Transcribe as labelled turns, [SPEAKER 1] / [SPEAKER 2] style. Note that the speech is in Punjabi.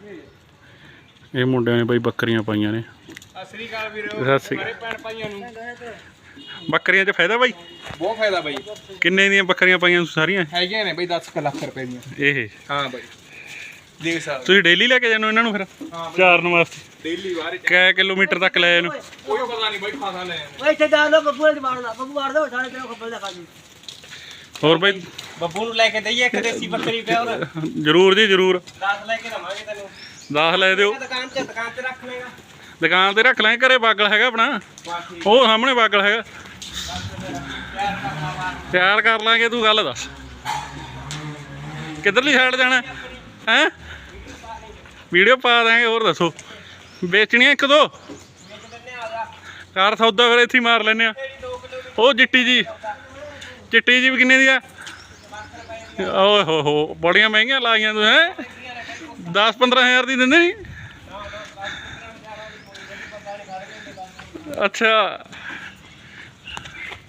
[SPEAKER 1] ਇਹ ਮੁੰਡਿਆਂ ਨੇ ਬਾਈ ਬੱਕਰੀਆਂ ਪਾਈਆਂ ਨੇ।
[SPEAKER 2] ਸਤਿ ਸ੍ਰੀ ਅਕਾਲ ਵੀਰੋ ਸਾਰੇ ਭੈਣ ਭਾਈਆਂ ਨੂੰ।
[SPEAKER 1] ਬੱਕਰੀਆਂ 'ਚ ਫਾਇਦਾ ਬਾਈ?
[SPEAKER 2] ਬਹੁਤ ਫਾਇਦਾ ਬਾਈ।
[SPEAKER 1] ਕਿੰਨੇ ਦੀਆਂ ਬੱਕਰੀਆਂ ਪਾਈਆਂ ਤੁਸੀਂ ਸਾਰੀਆਂ?
[SPEAKER 2] ਹੈਗੀਆਂ ਨੇ ਬਾਈ 10 ਲੱਖ ਰੁਪਏ ਦੀਆਂ।
[SPEAKER 1] ਇਹ
[SPEAKER 2] ਹਾਂ ਬਾਈ ਦੇਖ ਸਕਦੇ
[SPEAKER 1] ਤੁਸੀਂ ਡੇਲੀ ਲੈ ਕੇ ਜਾਂਦੇ ਹੋ ਇਹਨਾਂ ਨੂੰ ਫਿਰ ਚਾਰਨ ਵਾਸਤੇ?
[SPEAKER 2] ਡੇਲੀ ਬਾਹਰ
[SPEAKER 1] ਕਿੰਨੇ ਕਿਲੋਮੀਟਰ ਤੱਕ ਲੈ ਇਹਨੂੰ?
[SPEAKER 2] ਕੋਈ ਪਤਾ ਨਹੀਂ ਬਾਈ ਖਾਸਾ ਲੈ
[SPEAKER 3] ਓਏ ਇੱਥੇ ਜਾ ਲੋ ਬੱਬੂ ਨੇ ਮਾਰਦਾ, ਬੱਬੂ ਮਾਰ ਦੋ ਸਾਡੇ ਤੇ ਖੱਬਲ ਦਾ ਖਾ ਜੀ।
[SPEAKER 1] ਹੋਰ ਬਾਈ
[SPEAKER 2] ਬੱਬੂ ਨੂੰ ਲੈ ਕੇ ਦਈਏ ਇੱਕ ਦੇਸੀ ਬੱਕਰੀ ਪਿਆ ਹੋਰ।
[SPEAKER 1] ਜ਼ਰੂਰ ਜੀ ਜ਼ਰੂਰ।
[SPEAKER 2] 10 ਲੈ ਕੇ ਦਵਾਂਗੇ ਤੈਨੂੰ।
[SPEAKER 1] 10 ਲੈ ਦਿਓ।
[SPEAKER 2] ਦੁਕਾਨ ਤੇ ਰੱਖ ਲੇਗਾ।
[SPEAKER 1] ਦੁਕਾਨ ਤੇ ਰੱਖ ਲੈ। ਘਰੇ ਬਾਗਲ ਹੈਗਾ ਆਪਣਾ, ਉਹ ਸਾਹਮਣੇ ਬਾਗਲ ਹੈਗਾ, ਤਿਆਰ ਕਰ ਲਾਂਗੇ। ਤੂੰ ਗੱਲ ਦੱਸ ਕਿੱਧਰਲੀ ਸਾਈਡ ਜਾਣਾ ਹੈ? ਵੀਡੀਓ ਪਾ ਦਾਂਗੇ। ਹੋਰ ਦੱਸੋ ਵੇਚਣੀਆਂ ਇੱਕ ਦੋ? ਕਾਰ ਸੌਦਾ ਫਿਰ ਇੱਥੇ ਮਾਰ ਲੈਂਦੇ ਆ। ਉਹ ਚਿੱਟੀ ਜੀ ਵੀ ਕਿੰਨੇ ਦੀ ਆ? ਓਏ ਹੋ ਬੜੀਆਂ ਮਹਿੰਗੀਆਂ ਲਾਈਆਂ ਤੂੰ ਹੈਂ। 10-15 ਹਜ਼ਾਰ ਦੀ ਦਿੰਦੇ ਨਹੀਂ? ਅੱਛਾ